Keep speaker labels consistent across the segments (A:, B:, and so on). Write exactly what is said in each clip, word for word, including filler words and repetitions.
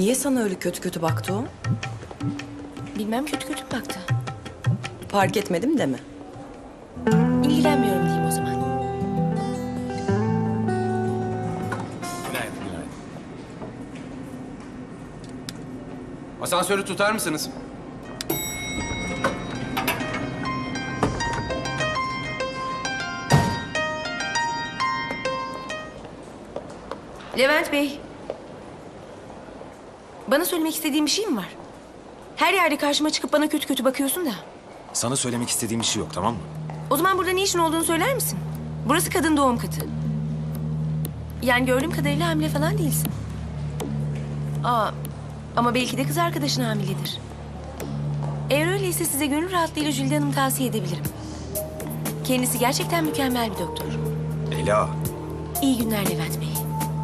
A: Niye sana öyle kötü kötü baktı o?
B: Bilmem, kötü kötü baktı.
A: Fark etmedim deme.
B: İlgilenmiyorum diyeyim o zaman.
C: Günaydın, günaydın. Asansörü tutar mısınız?
B: Levent Bey. Bana söylemek istediğin bir şey mi var? Her yerde karşıma çıkıp bana kötü kötü bakıyorsun da.
D: Sana söylemek istediğim bir şey yok, tamam mı?
B: O zaman burada ne işin olduğunu söyler misin? Burası kadın doğum katı. Yani gördüğüm kadarıyla hamile falan değilsin. Aa, ama belki de kız arkadaşın hamiledir. Eğer öyleyse size gönül rahatlığıyla Jülide Hanım'ı tavsiye edebilirim. Kendisi gerçekten mükemmel bir doktor.
D: Ela,
B: İyi günler Levent Bey.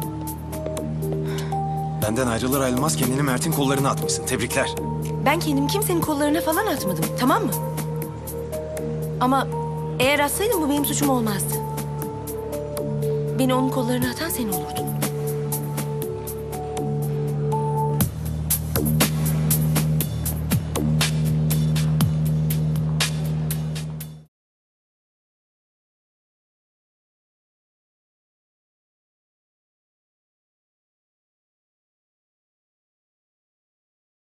D: benden ayrılır ayrılmaz kendini Mert'in kollarına atmışsın. Tebrikler.
B: Ben kendimi kimsenin kollarına falan atmadım, tamam mı? Ama eğer atsaydım bu benim suçum olmazdı. Beni onun kollarına atan sen olurdun.